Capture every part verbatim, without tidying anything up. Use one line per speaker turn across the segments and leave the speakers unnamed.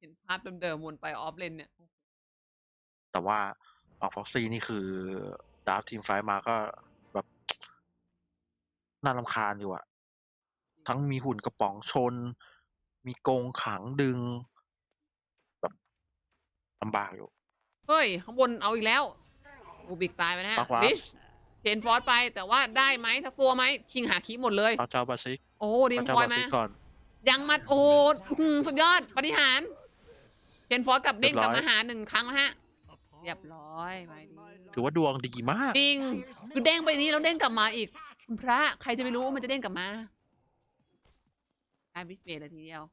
เห็นภาพเดิมๆวนไปออฟเลนเนี่ย
แต่ว่าฝั่ง Foxy นี่คือดราฟทีมไฟท์มาก็แบบ น่ารำคาญอยู่อะ ทั้งมีหุ่นกระป๋องชน มีกรงขังดึง แบบลำบากอยู่
เฮ้ย ข้างบนเอาอีกแล้ว รูบิกตายไปนะฮะ
ปักวาร์ป
ลิช เชนฟอร์สไป แต่ว่าได้ไหมสักตัวไหม ชิงหาคีย์หมดเลย
เอาเจ้าบาซิก
โอ้ดิ
เอา
ม
เจ้า
พลอย
บา
มา
ซิกก่อน
ยังมา โอ้โหอื้อฮือสุดยอดปาฏิหาริย์เชนฟอร์สกับเด้ง
เรียบร้
กลับ
อย
มาหาหนึ่งครั้งแล้วฮะ เรียบร้อยไปดี
ถือว่าดวงดีมาก
จริง คือเด้งไปนี้แล้วเด้งกลับมาอีก คุณพระ ใครจะไปรู้ว่ามันจะเด้งกลับมา ได้วิสเบดเลยทีเดียว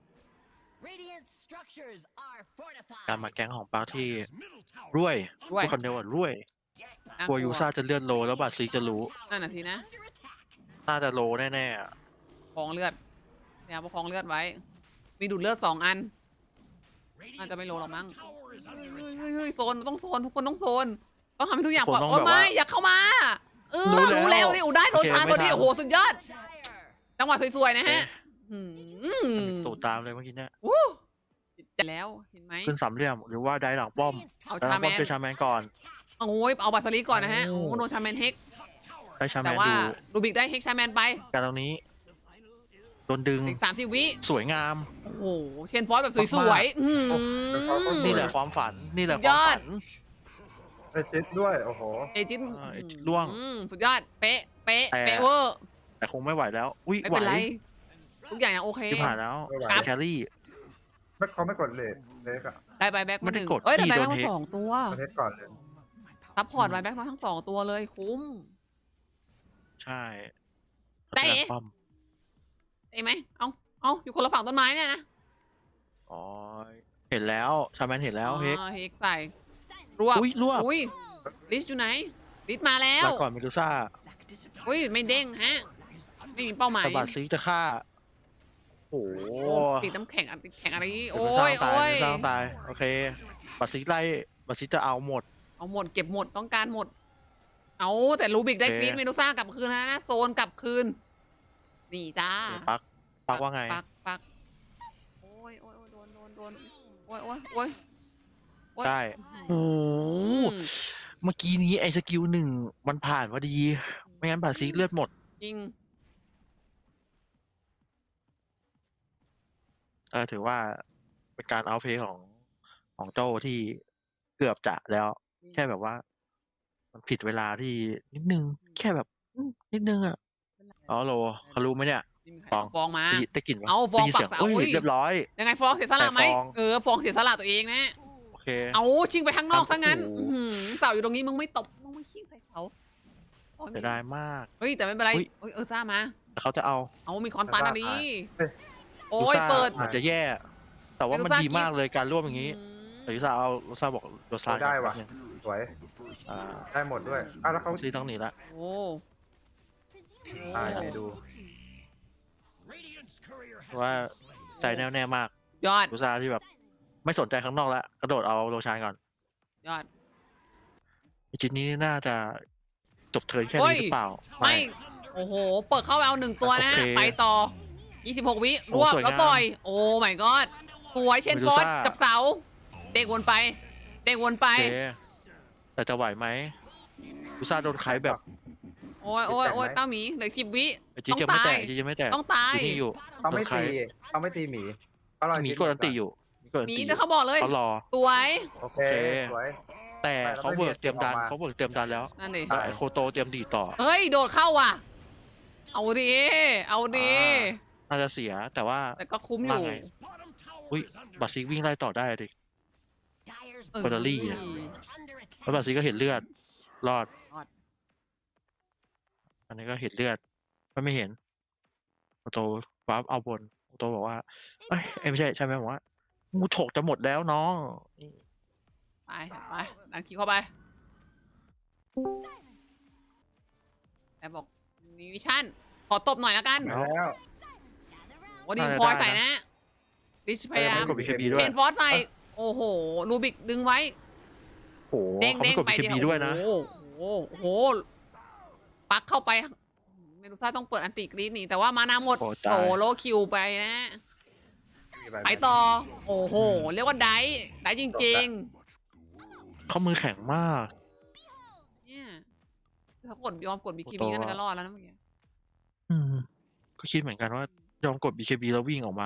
การมาแก๊งของปาร์คที่รวย
รวย
พูดคนเดียวว่ารวย
น่าก
ลัว
ลั
ยู
ว
ซ่าจะเลื่อนโลแล้วบาซิกจะรู้
นั่นน่ะสินะ
น่าจะโลแน่ๆอะ
คลองเลือดพยายามประคองเลือดไว้ มีดูดเลือดสองอัน น่าจะไม่โลหรอกมั้ง เฮ้ยเฮ้ยเฮ้ยโซนต้องโซนทุกคนต้องโซน ต้องทำให้ทุกอย่าง
ทุก
ป
ค
ลอน ด
ต้อง
โอ้
แบบ
ไม่
ว่า
อย่าเข้ามา เออ
รู้แล้ว
รู้แล้วดิโอ้ได้โดน
โอเค
ชาร์จพอดี
ไม่ทัน
โอ้โหสุดยอด จังหวะสวยๆนะฮะ
เอ๊ะ
หืม
ตูดตามเลยเมื่อกี้เนี่ย
อู้จะแล้วเห็นไหม
ขึ้นสามเหลี่ยมหรือว่าได้หลังป้อม
เอา
ได้หลั
ชาง แม
ป้อม
น
เจอชาแมนก่อน
โอ้ยเอาบัตรสลีก่อนนะฮะ
โอ้
โอ้โดนชาแมนเฮก
ได้ชาแม
แต่
น
ว่า
ดู
ลูบิกได้เฮกชาแมนไป
การตรงนี้โดนดึง
อีกสามสิบวิ
สวยงาม
โอ้โหเชนฟอสแบบสวยๆอื้อหือ
นี่แหละความฝัน นี่แหละ
สุ
ค
ดยว
าม
อด
ฝัน
ไอจิตด้วย โอ้โห
เอจิต
อ่าเอจิตล่วง
อืมสุดยอด เป๊ะ เป๊ะ
แต่
เป๊ะเวอร์
แต่คงไม่ไหวแล้ว อุ้ย
ไม่
ไหว
เป็นไร ทุกอย่างยังโอเค
ที่ผ่านแล้ว
ไม่ไหว
สายแครี่
ไม่เขาไม่กดเลทเล็กอะ
ได้ใบแบ็ก
ไม่
มาห
ได้
นึ่ง
กด
เอ้ยแต่
ที่
ใบ
โด
แบ็ก
น
มา
เฮก
สองตัว
ประเทศก่อนเลย
ซัพพอร์ตใบแบ็กมาทั้งสองตัวเลยคุ้ม
ใช่
แต่
พัฒนาป้อม
ได้ไหม เอาเอาอยู่คนละฝั่งต้นไม้เนี่ยนะ
อ๋อ เห็นแล้ว ชาแมนเห็นแล้วเฮก
อ๋อเฮกใส่รวบ
อุ๊ยรวบ
อุ้ยลิสอยู่ไหน ลิสมาแล้ว
ลาก่อนเมดูซ่า
อุ้ยไม่เด้งฮะ ไม่มีเป้าหมาย
ตบาซิกจะฆ่า โอ้โห
โอ้ติดน้ำแข็งอันติดแข็งอะไรนี่
เดี๋ยว
โอ้
มันสร้าย งตาย
โอ้ย
มันสร้างตาย โอเคบาซิกไล่บาซิกจะเอาหมด
เอาหมดเก็บหมดต้องการหมด เอาแต่ลูบิกได้
โอเค
กรีนเมดูซ่ากลับคืนนะนะโซนกลับคืน นี่จ้า
ปัก ปักว่าไง
ปักปักโอ้ยโอ้ยโอ้ยโดนโดนโดนโอ้ยโอ้ยโอ้ยโอ้ย
ได้ โอ้โห
อืม
เมื่อกี้นี้ไอ้สกิลหนึ่งมันผ่านพอดี ไม่งั้นบาซิกเลือดหมด
จริง
เออถือว่าเป็นการเอาเพย์ของของโจ้ที่เกือบจะแล้ว แค่แบบว่า มันผิดเวลาที่นิดนึง แค่แบบอืมนิดนึงอ่ะอ๋อโลเขารู้ไหมเนี่ย ฟอง
ฟองมา
ได้ยินได้กลิ่นปะ
เอาฟอง
ได้ยินเสียง
ปักเสา
อุ้ย
อุ้ย
เรียบร้อย
ยังไงฟองเสียสละไหม
แต่ฟอง
เออฟองเสียสละตัวเองนะ
โอเค
เอาชิงไปข้างนอกซะงั้น
โอ้โห
อื้อหือเสาอยู่ตรงนี้มึงไม่ตบมึงไม่ชิงใส่เสาโอ้ย
เสียดายมาก
เฮ้ยแต่ไม่เป็นไร
อุ๊ย
เอ้ยเออซ่ามา
แต่เขาจะเอา
เอามีคอนตันอันนี้
เอ้ย
โอ้
ลู
ย
ซ่า
เปิด
เหมือนจะแย่ แต่ว่ามัน
ลูซ่า
ดีมากเลยการร่วมอย่างนี้
อืม
แต่ลูซ่าเอาลูซ่าบอกลูซ่า
ได้ว่ะ
เนี่ย
สวย
อ่า
ได้หมดด้วยอ้าวแล้วเขา
ซีต้องหนีละ
โอ้
ตายไหนดู
เพราะว่าใจแน่วแน่มาก
ยอด
ลูซ่าที่แบบ ไม่สนใจข้างนอกแล้วกระโดดเอาโลชานก่อน
ยอด
อีจิตนี้น่าจะจบเทิร์นแค่
โอ้
นี้
ย
หรือเปล่า
ไม่ โอ้โห เปิดเข้าไปเอาหนึ่งตัวนะฮะ
โอเค
ไปต่อ ยี่สิบหก วิ
โอ้
รวบ
สวย
แล้ว
งาม
ต่อย โอ้ my god สวยเชนฟอร์ส
เมดูซ่า
กับเสา เด้งวนไป เด้งวนไป
โอเคแต่จะไหวไหมลูซ่าโดนไคแบบ
โอ้ยโอ้ยโอ้ยเต้าหมีเหลือสิบวิ
ไอจิ
ต้อง
จะไม่
ตา
แต
ย
กไอจิจะไม่แตก
ต้องตาย
อยู่นี่อยู่
เขาไม่
โดนใคร
ตีเขาไม่ตีหมีเขารอ
หมี
จิต
กดอันตีอยู่หมีกดอัน
หมี
ตีอ
เดี๋ยว
ยู่
เขาบอกเลย
เขารอ
สวย
โอเค
โอเค
สวย
แต่
แต่เรา
เขา
ไม่
เบิก
มี
เตรียมดัน
ออกมา
เขาเบิกเตรียมดันแล้ว
นั่นดิ
แต่ไอโคโตเตรียมดีดต่อ
เฮ้ย โดดเข้าว่ะ เอาดี เอาดี
น่าจะเสียแต่ว่า
แต่ก็คุ้มอยู่
ว่าไง อุ้ยบัตซิกวิ่งไล่ต่อได้ดิ
เออ
เฟอร์รารี่อะ แล้วบัตซิกก็เห็นเลือด รอด
รอด
อันนี้ก็เห็นเลือดไม่ไม่เห็นโคโตฟ้าเอาบนโคโตบอกว่าเอ้ยเอ้ยไม่ใช่ใช่ไหมบอกว่างูถกจะหมดแล้วน้องนี่
ไปไปดันคิวเข้าไปแต่บอกมีวิชั่น ขอตบหน่อยแล้วกัน
มาแล้ว
โอ้ดีพลอยใส่นะริชพยายาม
กดบีเคบีด้
เช
วย
นฟอสใส่ โอ้โห ลูบิกดึงไว้
โอ้โห
เด้ง
เขา
เด้
ไม่
ง
กด
ไป
บีเคบีด้วยนะ
โอ้โหโอ้โห ปักเข้าไป เมดูซ่าต้องเปิดอันติกรีดหนีแต่ว่ามานาหมด
โอ้
โอ้
ตาย
โลคิวไปนะ
ม
ไปต่อ โอ้โห เรียกว่าไดฟ์ไดฟ์จริง
เขามือแข็งมาก
ๆ เนี่ยถ้ากดยอมกดบีคี
โต
บีก็น่าจะรอดแล้วนะเมื่อกี้
อืม ก็คิดเหมือนกันว่ายอมกด บี เค บี แล้ววิ่งออกมา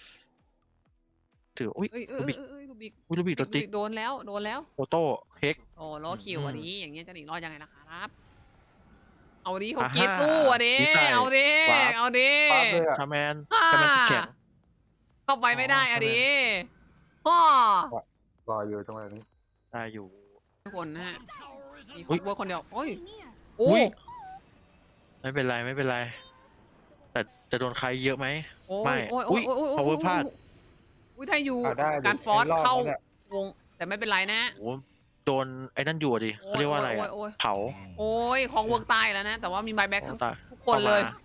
ถืออุ้ย
เอ้ยเอ้
ลู
ย
บิก
เอ้ยเอ้ยลูบิก
อุ้ยลูบิกตัวติ๊ก
โดนแล้ว โดนแล้ว
โอโต้เฮก
โอ้ล้อคิว
อืม
อันนี้ อย่างเงี้ยจะหนีรอดยังไงล่ะครับ เอาดิเขา
อ่า
กรีดสู้อ่ะดิ
ดีไซน์
เอาดิ
วาร์ป
เอาดิ
ปาดเลยอะ
ชาแมน
อ่า
ชาแมนติดแข็ง
เข้าไปไม่ได้
อ๋อ
อ่ะ
ใช่ไหม
ดิพ่อ
รออยู่ตรงนี้
ได้อยู่
ทุกคนนะฮะ มี
อุ๊ย
เวิร์คคนเดียว โอ้ย โอ้
อุ้ย ไม่เป็นไรไม่เป็นไร แต่จะโดนใครเยอะไหม
โอ้ย
ไม่
โอ้ย
อุ๊
โอ้ย
ย
โอ้ยโอ้ย
power พลาด
อุ้ยถ้าอยู่
อ่ะได้ดิ
การฟอส
ไอ้รอบ
เข้า
นั้นน่ะ
วง แต่ไม่เป็นไรนะ
โอ้โหโดนไอ้นั่นอยู่อะดิเขาเรียกว่าอะไรอะ
โอ้ย
เผา
โอ้ยของเวิร์กตายแล้วนะ แต่ว่ามีไบแบ็กทั้ง
ตาย
ทุกคนเลย
ข้ามา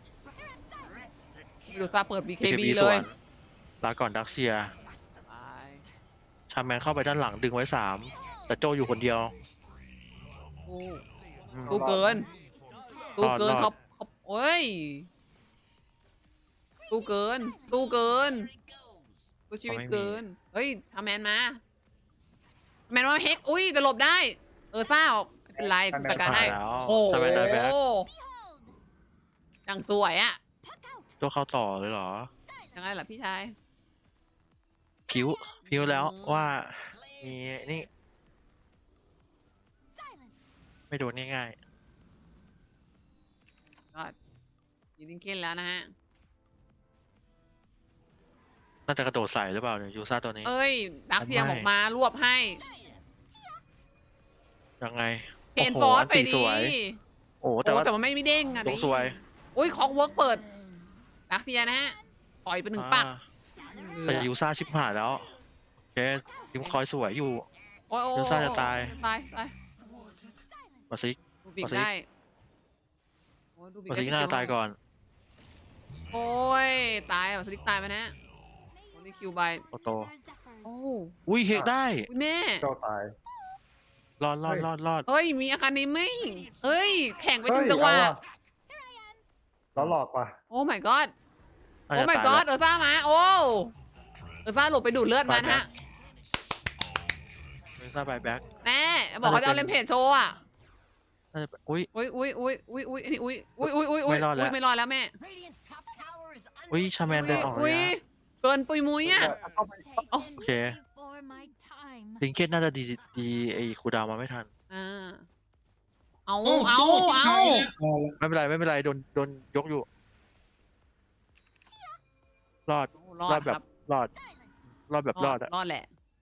วิดูซาเปิด บี เค บี
บี
เล
สวย นลาก่อนดักเซีย
ไป
ชาแมนเข้าไปด้านหลังดึงไว้สาม แต่โจอยู่คนเดียว
ตู้
อืม
ตู้เกิน ตู้เกิน
รอด
เขาเขาโอ้ย ตู้เกิน ตู้เกิน ตู้ชีวิตเกิน เฮ้ยทำแมนมาแมนว่าเฮก อุ้ยจะหลบได้ เออซ่าไม่เป็นไรกูจัดการให้
แล้ว
โอ้โห
ชาแมนได้แบ็ค
ยังสวยอะ
โจเข้าต่อเลยเหรอ
ยังไงล่ะพี่ชาย
พิวพิวแล้ว
อืม
ว่ามีนี่ ไม่โดนง่าย
ก็ยิงดิงเก้นแล้วนะฮะ
ๆ น่าจะกระโดดใส่หรือเปล่าเนี่ยยูซ่าตัวนี้
เอ้ย ดักเซีย
ไม่
ออกมารวบให้
ยังไง
เพน
โโห
ฟอร์ส
น
ไป
ตี
ดี
สวย โอ้โหแต่
โอ้
ว่า
แต่มันไม่มีเด้งอะ
ล
ดิ
งสวย
อุ้ยคอกเวิร์กเปิด ดักเซียนะฮะต่อยไปหนึ่งปัก
อ่าแต่ยูซ่าชิบหายแล้วโอเคทีมคอยสวยอยู่
โอ้ยโอ้ย
เดี๋ยวซ่าจะตาย
ตายตาย
มาซิก
ดูบิก
เอาสิ
ได้โอ้ยดูบิก
มา
ได้
ซิกหน้าตายก่อน
โอ้ย ตายอ่ะสลิกตายไปนะโอ้นี่คิวบาย
โอโต
โอ้
อุ้ยเฮกได้
อุ๊ยแม่
โจตาย
รอดรอดรอดรอด
เอ้ย มีอาการนี้ไหมเอ้ย แข่งไปถึง
เฮ้ย
จังหวะ
เอาว่ะ แล้วหลอกว่ะ
โอ้ my god
น่า
โอ้
จะ
my
ตาย
god
แล้ว
เออซ่ามา โอ้ เออซ่าหลบไปดูดเลือดมานะฮะ
ยูซ่าบายแบ็ก
แม่ บอกเขาจะเอาเลมเพจโชว์อ่ะ
น่าจะเป็นอุ้ย
อุ้ยอุ้ยอุ้ยอุ้ยอุ้ยอันนี้อุ้ยอุ้ยอุ้ยอุ้ยอุ้ย
ไม่รอดแล้ว
ไม่รอดแล้วแม่
อุ้ยชาแมนเดินออก
อุ้
เลย
ย
อะ
เกินปุยมุ้ยอ่ะ
โอเค ลิงเกตน่าจะดีดีไอ้คูลดาวน์มาไม่ทัน
อ่า เอา
โอ้
เอา
โจ้ชิบ
เอา
หายแล้วเอาละ
ไม่เป็นไรไม่เป็นไรโดนโดนยกอยู่ รอด
รอ
รอ
ด
ดแบ
ครับ บ
รอด รอดแบบรอดอะ
รอดแหละ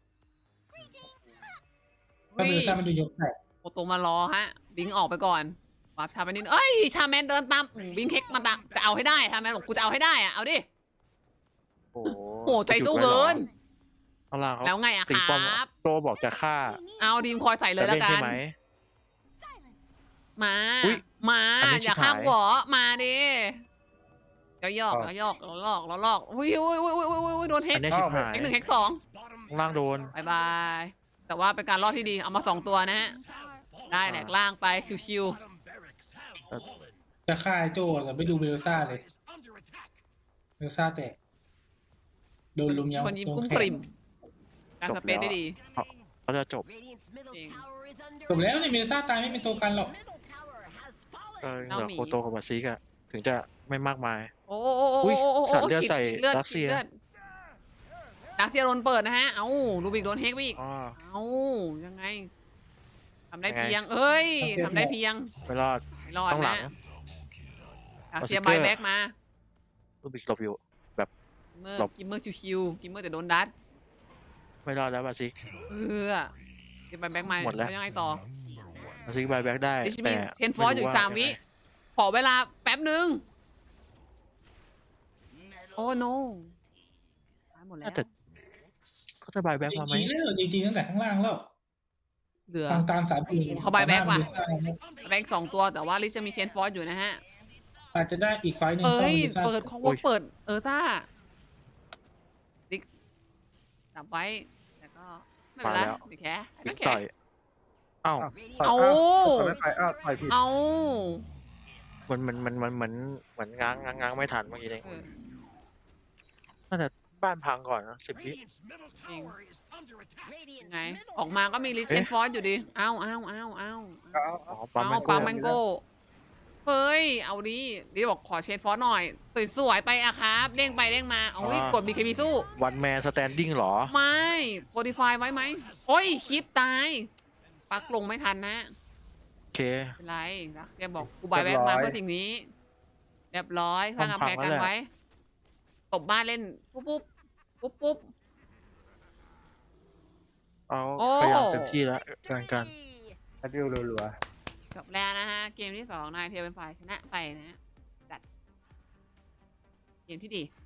ก็เป็นซามันดูยกแตก
โอโตมารอฮะ บิงออกไปก่อนวาร์ปชาไปนิดเอ้ย ชาแมนเดินตามอืมบิงเค้กมาตามจะเอาให้ได้ชาแมนบอกกูจะเอาให้ได้อะเอาดิ
โอ้
โอ้ใจสู้เกิน
ข้างล่างเขา
แล้วไงอะ
ตี
ค
ป้อม
รับ
โตบอกจะฆ่า
เอาดีมคอยใส่เลย
จะ
แล้ว
เล่น
กั
ใช่
น
ไหม
มา
อุ๊ย
มา
อันนี้
อย่า
ชิบหาย
ข้ามหัวมาดิแล้วยอกแล้วยอกแล้วลอกแล้วลอกอุ้ยอุ้ยอุ้ยอุ้ยอุ้ยอุ้ยโดนเฮ
อั
ก
นนี้ชิบหาย
เฮกหนึ่งเฮกสอง
ข้างล่างโดน
บายบาย แต่ว่าเป็นการรอดที่ดี เอามาสองตัวนะฮะ ได้แหลกล่างไปชิว
จะฆ่าไอ้โจ้แต่ไม่ดูเบลซ่าเลยเบลซ่าแตกโดนลุม
ๆ
ยำ
คนยิ้ม
ตรง
กุ้ม
แข
กริ่
น
ม การสเปซได้ดี
เขาจะจบ
จริง
จบแล้วเนี่ยเบลซ่าตายไม่เป็นตัวกันหรอก
ก็เห
เจ้า
ลือ
หมี
โคโตกับมาซิกอะถึงจะไม่มากมาย
โอ้โอ้โอ้
อุ๊
โอ้
ย
โอ้โอ้
สัตว์เลือด
ขี
ใส่
ขีลือ
รัสเซีย
ขีลือดรัสเซียโดนเปิดนะฮะ เอ้าลูบิกโดนเฮกไปอีก
อ๋อ
เอ้า ยังไง ทำได้
ยังไง
เพียง เอ้ย ทำได้เพียง
ไม่รอด
ไม่รอด
ต้องหลั
นะ
ง
รัสเซีย
เอาสติ๊กเกอร์
บายแบ็กมา
ลูบิกหลบอยู่
เมื่อ
หลบ
กิมเมอร์ชิวๆกิมเมอร์แต่โดนดัด
ไม่รอดแล้วมาซิก
เออกิมบายแบ็กมา
หมดแล้ว
แล้วยังไงต่อ
มาซิกบายแบ็กได้
ดิชมี
แต่
เชนฟอร์สอยู่อีกสามวิ ขอเวลาแป๊บหนึ่งโอ้โนตายหมดแล้ว
น่าจะเขาจะบายแบ็ก
จ
มาไหม
ริงๆแล้วจริงๆตั้งแต่ข้างล่างแล้ว
เหลือ
ตามตามสายปืน
เขาบายแบ็กว่ะ
เบลซ่า
แบ็กสองตัวแต่ว่าลิชจะมีเชนฟอร์สอยู่นะฮะ
อาจจะได้อีกไฟล์หนึ่ง
เอ้ย
ข้าบลซ่า
เปิดของว่าเปิด เออซ่าดิกจับไว้ แต่ก็ ไม่เป็นไร
มาแล้ว
ไม่แค่ไม่
บิ๊ก
แค่
ต่อยเอ้า
ต่อย
เอา
ต่อยไม่ไปอ้าวต่อยผิด
เอา
มันมันมันมันเหมือนเหมือนง้างง้างง้างไม่ทันเมื่อกี้เอง
เออ
น่าจะบ้านพังก่อนนะสิบวิ
ไงออกมาก็มีลิเชนฟอร์สอยู่ดีเอ้าเอ้าเอ้าเอ้า
เอา
อ๋อ
เอา
ปั๊ม
เอา
แมง
ปา
โก้
แมงโก้เฮ้ยเอาดิดิบอกขอเชนฟอร์สหน่อยสวยๆไปอะครับเด้งไปเด้งมาเอาวิกดบีเคบีสู้
วันแมนสแตนดิ้งหรอ
ไม่โ o ดิฟายไว้ไหมโอ้ยคลิปตายปักลงไม่ทันนะ
โอเค
ไม่เป็นไรนะแกบอกกูบายแบ็กมาเพื่อสิ่งนี้ เรียบร้อยสร้างกำแพงกันไว้ ตบบ้านเล่น ปุ๊บปุ๊บปุ๊บปุ๊บ
เอา
โอ้
พยายามเต็มที่แล้วกันกัน
แอดดิวรัว
จบแล้วนะฮะ เกมที่สองนายเทียเป็นฝ่ายชนะไปนะฮะจัดเกมที่ดี